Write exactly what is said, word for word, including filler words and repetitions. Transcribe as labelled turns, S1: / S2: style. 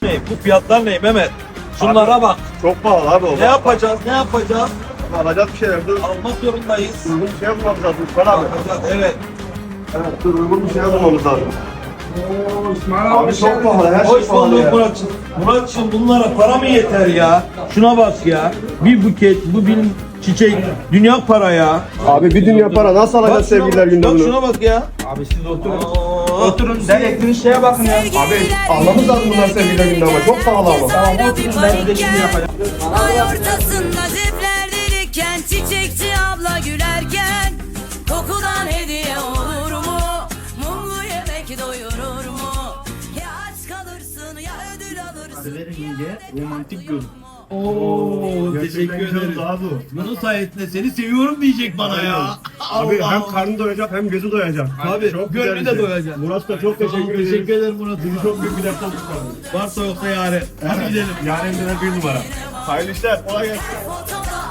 S1: Ne? Bu fiyatlar ne Mehmet? Şunlara
S2: Abi,
S1: bak.
S2: Çok pahalı abi o.
S1: Ne yapacağız? Ne yapacağız?
S2: Alacağız bir şeyler. Dur.
S1: Almak zorundayız.
S2: Uygun bir şey bulmamız lazım. İsmail abi.
S1: Alacağız, evet.
S2: Evet dur uygun bir şey bulmamız lazım.
S3: Oo, İsmail
S2: Abi çok pahalı. Her şey
S1: Hoş
S2: pahalı
S1: bulduk
S2: ya.
S1: Muratçım. Muratçım bunlara para mı yeter ya? Şuna bak ya. Bir buket, bu bir çiçek. Dünya para ya.
S2: Abi bir dünya para nasıl
S1: Bak
S2: alacağız
S1: şuna
S2: sevgililer
S1: bak,
S2: günde
S1: bak
S2: bunu?
S1: şuna bak ya.
S3: Abi siz oturun.
S1: Aa,
S3: Oturun. Ben ettiğiniz şeye bakın ya.
S2: Abi almamız lazım bunlar sevgililer günde ama çok pahalı ama.
S3: Tamam oturun ben size şimdi yapacağım.
S4: Ay ortasında cepler delikken, çiçekçi abla gülerken, kokudan hediye olur mu? Mumlu yemek doyurur mu? Ya aç kalırsın ya ödül alırsın.
S5: romantik göz.
S1: Oo, teşekkür ederim. Bunun sayesinde seni seviyorum diyecek bana ya.
S2: Abi
S1: Allah
S2: hem
S1: Allah.
S2: karnı doyacak hem gözü doyacak.
S1: Tabii,
S2: Çok
S1: gönlü
S2: güzel
S1: de
S2: bir şey.
S1: doyacak.
S2: Murat da çok
S1: Tamam,
S2: teşekkür ederiz.
S1: teşekkür ederim Murat.
S2: Bizi çok büyük bir defter tuttu.
S1: Varsa yoksa yare. Hadi gidelim.
S2: Yarın bir numara. Hayırlı işler. Kolay gelsin.
S4: Fotoda